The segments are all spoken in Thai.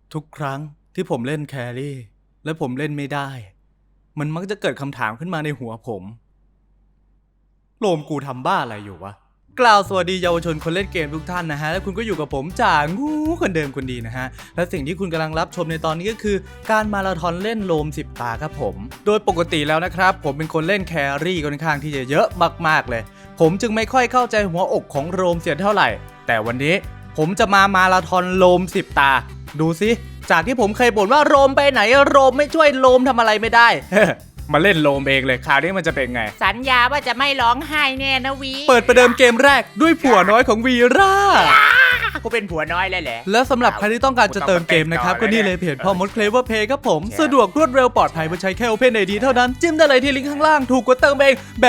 ทุกครั้งที่ผมเล่นแครี่และผมเล่นไม่ได้มันมักจะเกิดคำถามขึ้นมาในหัวผมโลมกูทำบ้าอะไรอยู่วะกล่าวสวัสดีเยาวชนคนเล่นเกมทุกท่านนะฮะและคุณก็อยู่กับผมจ่างูคนเดิมคนดีนะฮะและสิ่งที่คุณกำลังรับชมในตอนนี้ก็คือการมาราธอนเล่นโลม10 ตาครับผมโดยปกติแล้วนะครับผมเป็นคนเล่นแครี่ค่อนข้างที่จะเยอะมากๆเลยผมจึงไม่ค่อยเข้าใจหัวอกของโลมเสียเท่าไหร่แต่วันนี้ผมจะมาราธอนโลม10 ตาดูสิจากที่ผมเคยบ่นว่าโลมไปไหนโลมไม่ช่วยโลมทำอะไรไม่ได้ มาเล่นโลมเองเลยคราวนี้มันจะเป็นไงสัญญาว่าจะไม่ร้องไห้แน่นะวีเปิดประเดิมเกมแรกด้วยผัวน้อยของวีร่ากูเป็นผัวน้อยเลยแหละแล้วสำหรับใครที่ต้องการจะเติมเกมนะครับก็นี่เลยเพจพ่อมดเคลเวอร์เพย์ครับผมสะดวกรวดเร็วปลอดภัยเมื่อใช้แค่ Open ID เท่านั้นจิ้มได้เลยที่ลิงก์ข้างล่างถูกกว่าเติมเองแบบ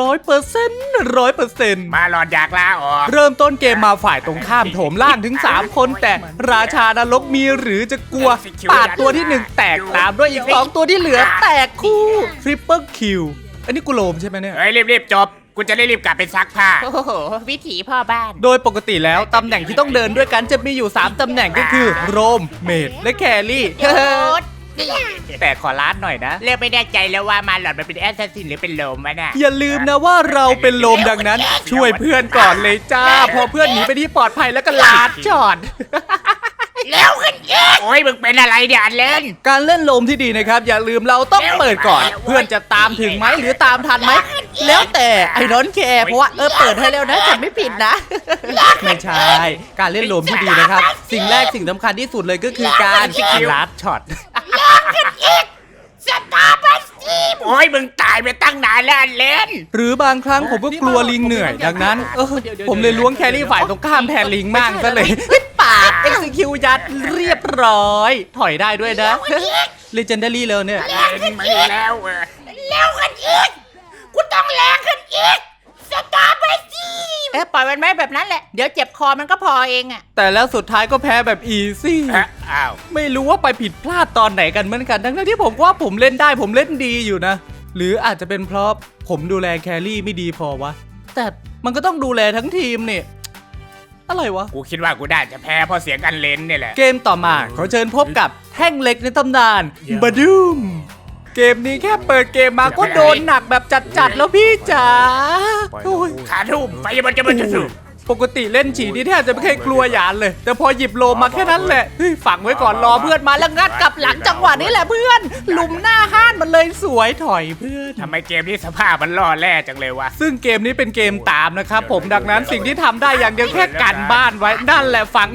100% มาหลอดอยากลาออกเริ่มต้นเกมมาฝ่ายตรงข้ามโถมล่างถึง3คนแต่ราชานรกมีหรือจะกลัวปาดตัวที่1แตกตามด้วยอีก2ตัวที่เหลือแตกคู่ทริปเปิลคิวอันนี้กูโลมใช่ไหมเนี่ยเฮ้ยรีบจบกูจะได้รีบกลับไปซักผ้าโอ้โหวิถีพ่อบ้านโดยปกติแล้วตำแหน่งที่ต้องเดินด้วยกันจะมีอยู่3ตำแหน่งก็คือโรมเมดและแครี่แต่ขอลาดหน่อยนะเลือกไม่แน่ใจแล้วว่ามาหลอดมันเป็นแอสซัสซินหรือเป็นโลมวะน่ะอย่าลืมนะว่าเราเป็นโลมดังนั้นช่วยเพื่อนก่อนเลยจ้าพอเพื่อนหนีไปที่ปลอดภัยแล้วก็ลาดจอดแล้วขึ้นเยอะโอ้ยมึงเป็นอะไรเนี่ยเล่นการเล่นโลมที่ดีนะครับอย่าลืมเราต้องเปิดก่อนเพื่อนจะตามถึงไหมหรือตามทันไหมแล้วแต่ไอ้นนท์แคร์เพราะว่าเปิดให้แล้วนะฉันไม่ผิดนะไม่ใช่การเล่นโลมที่ดีนะครับสิ่งแรกสิ่งสำคัญที่สุดเลยก็คือการลาดช็อตสตาร์บัสตีโอ้ยมึงตายไปตั้งนานแล้วเล่นหรือบางครั้งผมก็กลัวลิงเหนื่อยดังนั้นผมเลยล้วงแครี่ฝ่ายตรงข้ามแทนลิงมั่งซะเลยปาก execute ยัดเรียบร้อยถอยได้ด้วยนะ legendary เลยเนี่ยแรงขึ้นอีกแล้วขึ้นอีกกูต้องแรงขึ้นอีกสตาร์บัสตีปล่อยมันไว้แบบนั้นแหละเดี๋ยวเจ็บคอมันก็พอเองอะแต่แล้วสุดท้ายก็แพ้แบบ easy อ้าวไม่รู้ว่าไปผิดพลาดตอนไหนกันเหมือนกันทั้งที่ผมว่าผมเล่นได้ผมเล่นดีอยู่นะหรืออาจจะเป็นเพราะผมดูแลแครี่ไม่ดีพอวะแต่มันก็ต้องดูแลทั้งทีมเนี่ยอะไรวะกูคิดว่ากูได้จะแพ้เพราะเสียงกันเลนเนี่ยแหละเกมต่อมาขอเชิญพบกับแท่งเหล็กในตำนานบาดูมเกมนี้แค่เปิดเกมมาก็โดนหนักแบบจัดๆแล้วพี่จ๋าขาทุ่มไฟมันจะสุดปกติเล่นฉีนี่แทบจะไม่เคยกลัวหยานเลยแต่พอหยิบโลมาแค่นั้นแหละฝังไว้ก่อนรอเพื่อนมาแล้วงัดกลับหลังจังหวะนี้แหละเพื่อนหลุมหน้าห้านมันเลยสวยถอยเพื่อนทำไมเกมนี้สภาพมันล่อแร่จังเลยวะซึ่งเกมนี้เป็นเกมตามนะครับผมดังนั้นสิ่งที่ทำได้อย่างเดียวแค่กันบ้านไว้นั่นแหละฝัง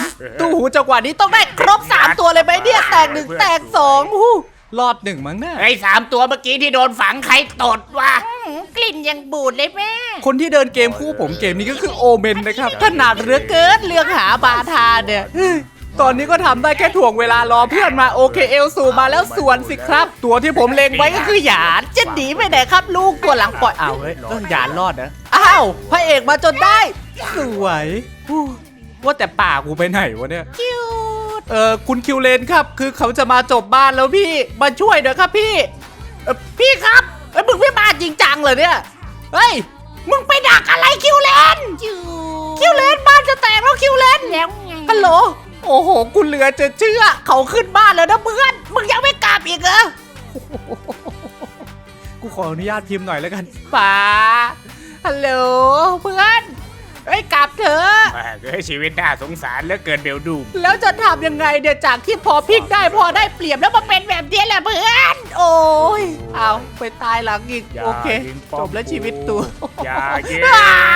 3ตู้หูจังหวะนี้ต้องได้ครบ3ตัวเลยไหมเนี่ยแตก1แตก2รอด1มั้งเนี่ยไอ้3ตัวเมื่อกี้ที่โดนฝังใครตดวะกลิ่นยังบูดเลยแม่คนที่เดินเกมคู่ผมเกมนี้ก็คือโอเมนนะครับถนัดเหลือเกินเรื่องหาบาทาเนี่ยตอนนี้ก็ทำได้แค่ถ่วงเวลารอเพื่อนมาโอเคเอลสูมาแล้วส่วนสิครับตัวที่ผมเล็งไว้ก็คือหยานจะหนีไปไหนครับลูกตัวหลังปล่อยเอาเฮ้ยหยานรอดนะอ้าวพระเอกมาจนได้สวยว่าแต่ป่ากูไปไหนวะเนี่ยคุณคิวเลนครับคือเขาจะมาจบบ้านแล้วพี่มาช่วยเดี๋ยวครับพี่พี่ครับมึงไม่มาจริงจังเลยเนี่ยเฮ้ยมึงไปดักอะไรคิวเลนบ้านจะแตกแล้วคิวเลนแล้วไงฮัลโหลโอ้โหกูเหลือจะเชื่อเขาขึ้นบ้านแล้วนะเพื่อนมึงยังไม่กลับอีกเหรอกูขออนุญาตพิมพ์หน่อยแล้วกันป๋าฮัลโหลเพื่อนกลับเถอะชีวิตน่าสงสารเหลือเกินเบลดูแล้วจะทำยังไงเดี๋ยวจากที่พอพลิกได้พอได้เปรียบแล้วมาเป็นแบบนี้แหละเพื่อนโอ้ยเอาไปตายหลังอีกโอเคจบแล้วชีวิตตัวอย่าเย้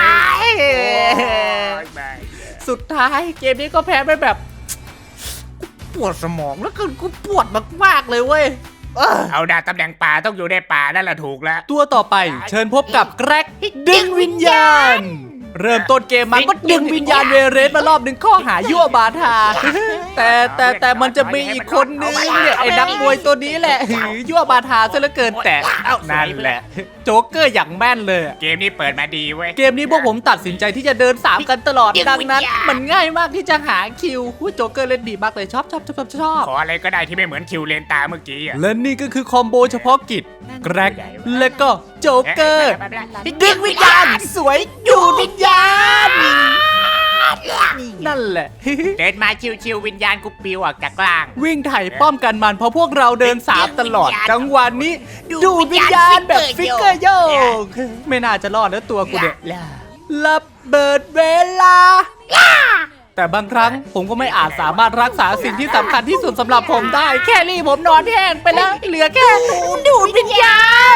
สุดท้ายเกมนี้ก็แพ้ไปแบบปวดสมองแล้วกูปวดมากๆเลยเว้ยเอาดาตำแหน่งป่าต้องอยู่ในป่านั่นแหละถูกแล้วตัวต่อไปเชิญพบกับแกร็กดึงวิญญาณเริ่มต้นเกมมันก็ดึงวิญญาณเวเรสมารอบหนึ่งข้อหายั่วบาทาแต่มันจะมีอีกคนนึงเนี่ยไอ้นักมวยตัวนี้แหละยั่วบาทาซะเหลือเกินแต่นั่นแหละโจ๊กเกอร์อย่างแม่นเลยเกมนี้เปิดมาดีเว้ยเกมนี้พวกผมตัดสินใจที่จะเดิน3กันตลอดดังนั้นมันง่ายมากที่จะหาคิวโจ๊กเกอร์เล่นดีมากเลยชอบขออะไรก็ได้ที่ไม่เหมือนคิวเลนตาเมื่อกี้และนี่ก็คือคอมโบเฉพาะกิจแกร็กและก็โจ๊กเกอร์ดึงวิญญาณสวยอยู่วิญญาณนั่นแหละเดินมาชิวๆวิญญาณกูปิวออกจากล่างวิ่งไถ่ป้อมกันมันเพราะพวกเราเดินสามตลอดจังหวะนี้ดูดวิญญาณแบบฟิกเกอร์โยกไม่น่าจะรอดแล้วตัวกูเนี่ยระเบิดเวลา แต่บางครั้งผมก็ไม่อาจสามารถรักษาสิ่งที่สำคัญที่สุดสำหรับผมได้ แครี่ผมนอนแห้งไปแล้วเหลือแค่ดูดวิญญาณ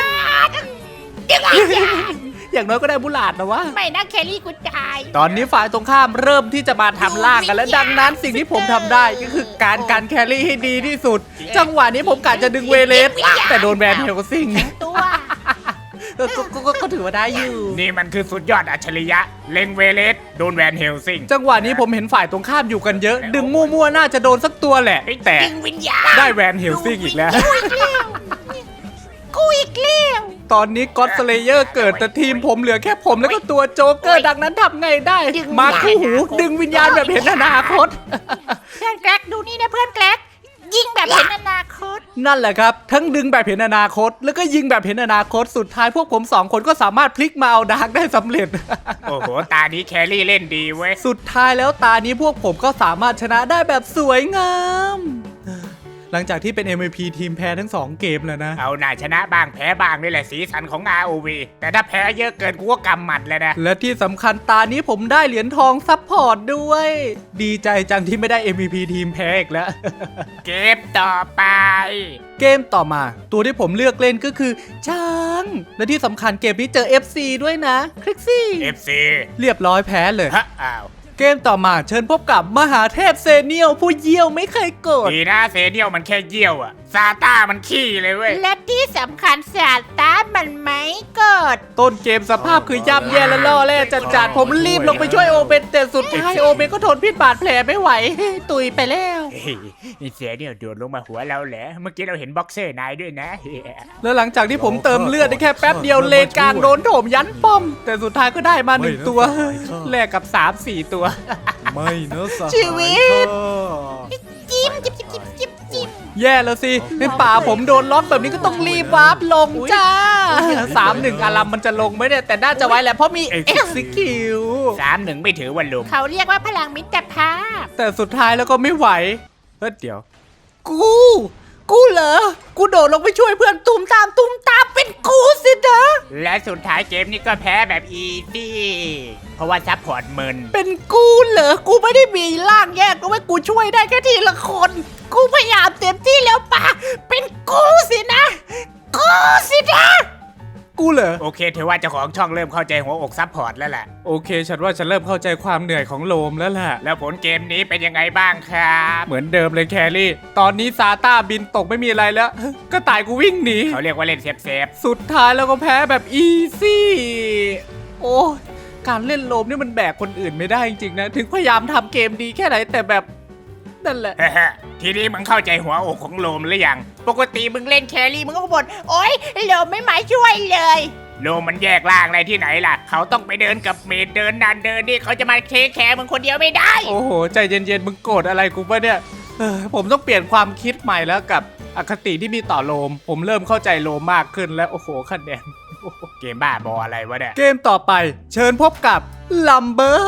อย่างน้อยก็ได้บุหลาดนะวะไม่นะแครี่กูตายตอนนี้ฝ่ายตรงข้ามเริ่มที่จะมาทำล่างกันแล้วดังนั้นสิ่งที่ผมทำได้ก็คือการกันแครี่ให้ดีที่สุด จังหวะนี้ผมกะจะดึงเวเลสแต่โดนแบนเฮลซิงตัวก็ถือว่าได้อยู่นี่มันคือสุดยอดอัจฉริยะ เล็งเวเลสโดนแวนเฮลซิงจังหวะนี้ผมเห็นฝ่ายตรงข้ามอยู่กันเยอะ ดึงมั่วๆน่าจะโดนสักตัวแหละแต่ดึงวิญญาณได้แวนเฮลซิงอีกแล้วกูอีกแล้วตอนนี้ก็อดสเลเยอร์เกิดแต่ทีมผมเหลือแค่ผมแล้วก็ตัวโจ๊กเกอร์ดังนั้นทำไงได้ มาคู่หูดึงวิญญาณแบบเห็นอนาคตเพื่อนแกลกดูนี่นะเพื่อนแกลกยิงแบบเห็นอนาคตนั่นแหละครับ ทั้งดึงแบบเห็นอนาคต แล้วก็ยิงแบบเห็นอนาคตสุดท้ายพวกผมสองคนก็สามารถพลิกมาเอาดาร์กได้สำเร็จโอ้โห ตานี้แครี่เล่นดีเว้ยสุดท้ายแล้วตานี้พวกผมก็สามารถชนะได้แบบสวยงาม หลังจากที่เป็น MVP ทีมแพ้ทั้ง2เกมแล้วนะเอาหน่าชนะบ้างแพ้บ้างนี่แหละสีสันของ ROV แต่ถ้าแพ้เยอะเกินกูก็กำหมัดเลยนะและที่สำคัญตานี้ผมได้เหรียญทองซัพพอร์ตด้วย ดีใจจังที่ไม่ได้ MVP ทีมแพ้อีกแล้วเกมต่อไปเกมต่อมาตัวที่ผมเลือกเล่นก็คือช้าง และที่สำคัญเกมนี้เจอ FC ด้วยนะคลิกซี่ FC เรียบร้อยแพ้เลยฮะอ้าวเกมต่อมาเชิญพบกับมหาเทพเซเนียลผู้เยี่ยวไม่เคยโกรธดีนะเซเนียลมันแค่เยี่ยวอะซาต้ามันขี้เลยเว้ยและที่สำคัญสาตามันไม่กดต้นเกมสภาพคือย่ำแย่และล่อแร่จัดๆผมรีบลงไปช่วยโอเบนแต่สุดท้ายโอเบนก็ทนพิษบาดแผลไม่ไหว ตุยไปแล้วเฮ้ยนี่เซเนียลโดดลงมาหัวเราแหละเมื่อกี้เราเห็นบ็อกเซอร์นายด้วยนะแล้วหลังจากที่ผมเติมเลือดได้แค่แป๊บเดียวเลนกลางโดนโถมยันป้อม แต่สุดท้ายก็ได้มา1ตัวแลกกับ 3-4 ตัวไม่นะสหายชีวิตจิ้มจิ้มจิ้มจิ้มจิ้มจิ้มแย่แล้วสิในป่าผมโดนล็อกแบบนี้ก็ต้องรีบวาร์ปลงจ้า 3-1 อารัมมันจะลงไหมเนี่ยแต่น่าจะไว้แหละเพราะมี Execute 3-1 ไม่ถือว่าลุมเขาเรียกว่าพลังมิตรภาพแต่สุดท้ายแล้วก็ไม่ไหวเดี๋ยว กูเหรอ กูโดดลงไปช่วยเพื่อนตุ้มตามเป็นกูสินะและสุดท้ายเกมนี้ก็แพ้แบบอีซี่เพราะว่าซัพพอร์ตมึนเป็นกูเหรอ กูไม่ได้มีร่างแยกก็ไว้กูช่วยได้แค่ทีละคน กูพยายามเต็มที่แล้วป่ะ เป็นกูสินะ กูสินะ กูเหรอโอเคถือว่าเจ้าของช่องเริ่มเข้าใจหัวอกซัพพอร์ตแล้วแหละโอเค ฉันว่าฉันเริ่มเข้าใจความเหนื่อยของโลมแล้วแหละแล้วผลเกมนี้เป็นยังไงบ้างครับเหมือนเดิมเลยแครี่ ตอนนี้ซาต้าบินตกไม่มีอะไรแล้ว ก็ตายกูวิ่งหนีเขาเรียกว่าเล่นเซฟสุดท้ายแล้วก็แพ้แบบอีซี่ โอ้ยการเล่นโลมนี่มันแบกคนอื่นไม่ได้จริงๆนะ ถึงพยายามทำเกมดีแค่ไหนแต่แบบนั่นแหละๆ ทีนี้มึงเข้าใจหัวอกของโลมหรือยังปกติมึงเล่นแครี่มึงก็บ่นโอ๊ยเหลวไม่มาช่วยเลยโลมมันแยกล่างอะไรที่ไหนล่ะ เขาต้องไปเดินกับเมดเดินนันเดินนี่เขาจะมาเทคแคร์มึงคนเดียวไม่ได้โอ้โห ใจเย็นๆ มึงโกรธอะไรกูปะเนี่ยผมต้องเปลี่ยนความคิดใหม่แล้วกับอคติที่มีต่อโลม ผมเริ่มเข้าใจโลมมากขึ้นแล้วโอ้โหคะแนนเกมบ้าบออะไรวะเนี่ยเกมต่อไปเชิญพบกับลัมเบอร์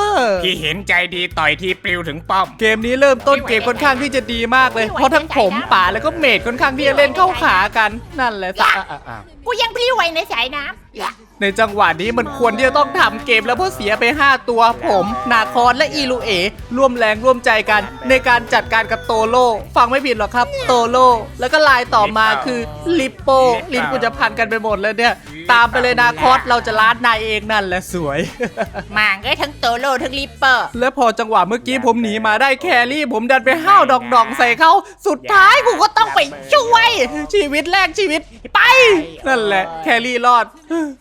พี่เห็นใจดีต่อยทีปลิวถึงป้อมเกมนี้เริ่มต้นเกมค่อนข้างที่จะดีมากเลย เพราะทั้งผมป่าแล้วก็เมดค่อนข้างที่จะเล่นเข้าขากันนั่นแหละสะกูยังพลิ้วไหวในสายน้ำในจังหวะนี้มันควรที่จะต้องทำเกมแล้วเพราะเสียไป 5 ตัวผมนาคอนและอีลูเอร่วมแรงร่วมใจกัน ในการจัดการกับโตโลฟังไม่ผิดหรอกครับโตโลแล้วก็ลายต่อมาคือลิปโปลิ้นกูจะพันกันไปหมดเลยเนี่ยตามไปเลยนาคอสเราจะล้านนายเองนั่นแหละสวยมางก็ทั้งโตโลทั้งลิปเปอร์และพอจังหวะเมื่อกี้ผมหนีมาได้แครี่ ผมดันไปห้าวดอกๆใส่เขาสุดท้ายกูก็ต้องไปช่วยชีวิตแรกชีวิตไปนั่นแหละแครี่รอด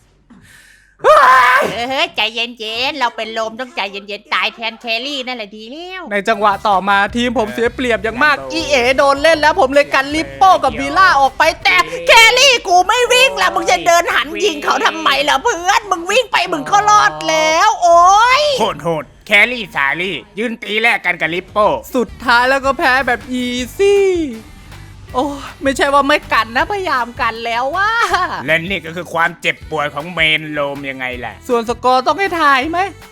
เฮ้ยใจเย็นๆเราเป็นลมต้องใจเย็นๆตายแทนแครี่นั่นแหละดีแล้วในจังหวะต่อมาทีมผมเสียเปรียบอย่างมากอีเอโดนเล่นแล้วผมเลยกันลิปโป้กับวีล่าออกไปแต่แครี่กูไม่วิ่งละมึงจะเดินหันยิงเขาทำไมล่ะเพื่อนมึงวิ่งไปมึงก็รอดแล้วโอ้ยโหดแครี่สาลี่ยืนตีแลกกันกับลิปโป้สุดท้ายแล้วก็แพ้แบบอีซี่โอ้ไม่ใช่ว่าไม่กันนะพยายามกันแล้วว่าและนี่ก็คือความเจ็บปวดของเมนโลมยังไงล่ะส่วนสกอร์ต้องให้ทายไหม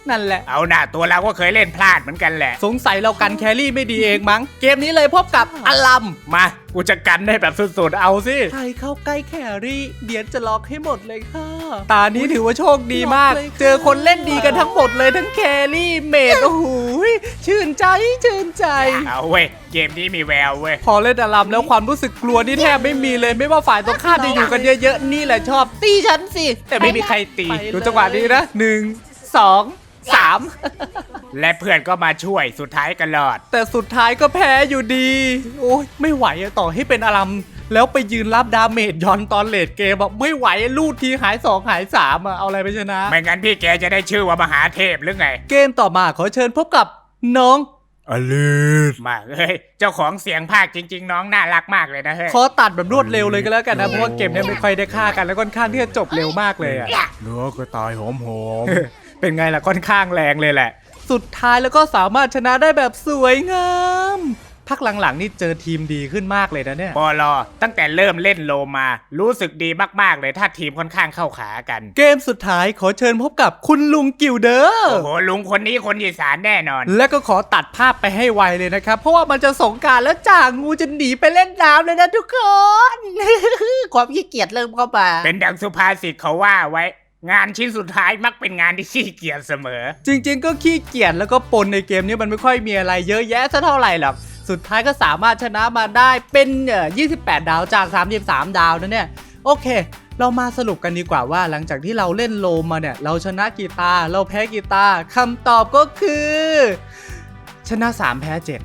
นั่นแหละเอาหน่าตัวเราก็เคยเล่นพลาดเหมือนกันแหละสงสัยเรากันแครี่ไม่ดีเองมั้ง เกมนี้เลยพบกับอลัมมากูจะกันได้แบบสุดๆเอาสิใครเข้าใกล้แครี่เดี๋ยวจะล็อกให้หมดเลยค่ะ ตานี้ถือว่าโชคดีมาก เจอคนเล่นดีกันทั้งหมดเลยทั้งแครี่เมดโอ้โหชื่นใจชื่นใจเอาเว้ยเกมนี้มีแววเว้ยพอเล่นอลัมแล้วความรู้สึกกลัวนี่แทบไม่มีเลย ไม่ว่าฝ่ายตรงข้ามจะอยู่กันเยอะๆนี่แหละชอบตีฉันสิ แต่ไม่มีใครตีดูจังหวะนี้นะ1 2 3 และเพื่อนก็มาช่วยสุดท้ายกันรอดแต่สุดท้ายก็แพ้อยู่ดี โอ้ยไม่ไหวอะต่อให้เป็นอลัมแล้วไปยืนรับดาเมจย้อนตอนเลดเกมแบบไม่ไหวลูดทีหาย2หาย3อะเอาอะไรไปชนะไม่งั้นพี่แกจะได้ชื่อว่ามหาเทพหรือไงเกมต่อมาขอเชิญพบกับน้องอลิสมาเฮ้ยเจ้าของเสียงภาคจริง ๆ น้องน่ารักมากเลยนะเฮ้ยขอตัดแบบรวดเร็วเลยก็แล้วกันนะเพราะว่าเกมเนี้ยไม่ค่อยได้ฆ่ากันแล้วค่อนข้างที่จะจบเร็วมากเลยอะเนื้อก็ตายหอมๆ เป็นไงล่ะค่อนข้างแรงเลยแหละ สุดท้ายแล้วก็สามารถชนะได้แบบสวยงามพักหลังๆนี่เจอทีมดีขึ้นมากเลยนะเนี่ยปอลอตั้งแต่เริ่มเล่นโลมา รู้สึกดีมากๆเลยถ้าทีมค่อนข้างเข้าขากันเกมสุดท้ายขอเชิญพบกับคุณลุงกิลเดอร์โอ้โหลุงคนนี้คนอีสานแน่นอนและก็ขอตัดภาพไปให้ไวเลยนะครับ เพราะว่ามันจะสงกรานต์แล้วจ่างูจะหนีไปเล่นน้ำเลยนะทุกคนความขี้เกียจเริ่มเข้ามาเป็นดังสุภาษิตเขาว่าไว้ งานชิ้นสุดท้ายมักเป็นงานที่ขี้เกียจเสมอจริงๆก็ขี้เกียจแล้วก็ปนในเกมนี้มันไม่ค่อยมีอะไรเยอะแยะซะเท่าไหร่หรอกสุดท้ายก็สามารถชนะมาได้เป็น28 ดาวจาก33 ดาวนะเนี่ยโอเค เรามาสรุปกันดีกว่าว่าหลังจากที่เราเล่นโลมมาเนี่ยเราชนะกี่ตาเราแพ้กี่ตาคำตอบก็คือ ชนะ3แพ้7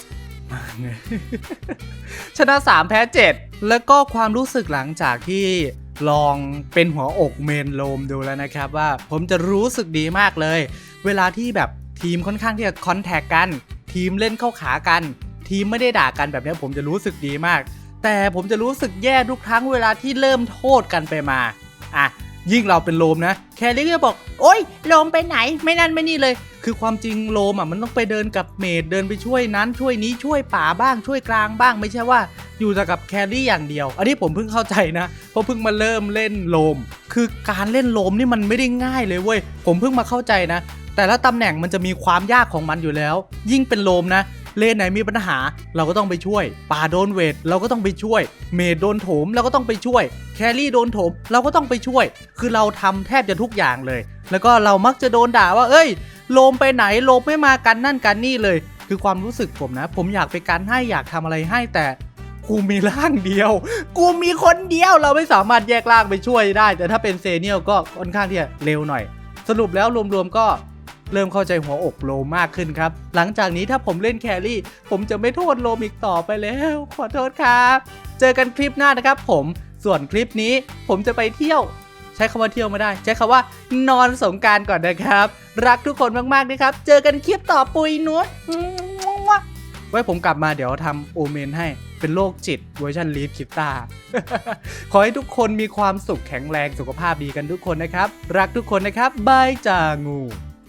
ชนะ3แพ้7แล้วก็ความรู้สึกหลังจากที่ลองเป็นหัวอกเมนโลมดูแล้วนะครับว่าผมจะรู้สึกดีมากเลยเวลาที่แบบทีมค่อนข้างที่จะคอนแทคกันทีมเล่นเข้าขากันทีมไม่ได้ด่ากันแบบนี้ผมจะรู้สึกดีมากแต่ผมจะรู้สึกแย่ทุกครั้งเวลาที่เริ่มโทษกันไปมาอ่ะยิ่งเราเป็นโลมนะแคลรี่ก็บอกโอ๊ยโลมไปไหนไม่นั่นไม่นี่เลยคือความจริงโลมอ่ะมันต้องไปเดินกับเมดเดินไปช่วยนั้นช่วยนี้ช่วยป่าบ้างช่วยกลางบ้างไม่ใช่ว่าอยู่แต่กับแคลรี่อย่างเดียวอันนี้ผมเพิ่งเข้าใจนะเพราะเพิ่งมาเริ่มเล่นโลมคือการเล่นโลมนี่มันไม่ได้ง่ายเลยเว้ยผมเพิ่งมาเข้าใจนะแต่ละตำแหน่งมันจะมีความยากของมันอยู่แล้วยิ่งเป็นโลมนะเลนไหนมีปัญหาเราก็ต้องไปช่วยป่าโดนเวทเราก็ต้องไปช่วยเมดโดนโถมเราก็ต้องไปช่วยแครี่โดนโถมเราก็ต้องไปช่วยคือเราทำแทบจะทุกอย่างเลยแล้วก็เรามักจะโดนด่าว่าเอ้ยโลมไปไหนโลมไม่มากันนั่นกันนี่เลยคือความรู้สึกผมนะผมอยากไปกันให้อยากทำอะไรให้แต่กูมีร่างเดียวกูมีคนเดียวเราไม่สามารถแยกร่างไปช่วยได้แต่ถ้าเป็นเซเนียลก็ค่อนข้างที่จะเร็วหน่อยสรุปแล้วรวมๆก็เริ่มเข้าใจหัวอกโลมมากขึ้นครับหลังจากนี้ถ้าผมเล่นแครี่ผมจะไม่โทษโลมอีกต่อไปแล้วขอโทษครับเจอกันคลิปหน้านะครับผมส่วนคลิปนี้ผมจะไปเที่ยวใช้คำว่าเที่ยวไม่ได้ใช้คำว่านอนสงกรานต์ก่อนนะครับรักทุกคนมากๆนะครับเจอกันคลิปต่อปุยนุชไว้ผมกลับมาเดี๋ยวทำโอเมนให้เป็นโรคจิตเวอร์ชันลีดคิตา ขอให้ทุกคนมีความสุขแข็งแรงสุขภาพดีกันทุกคนนะครับรักทุกคนนะครับบายจางู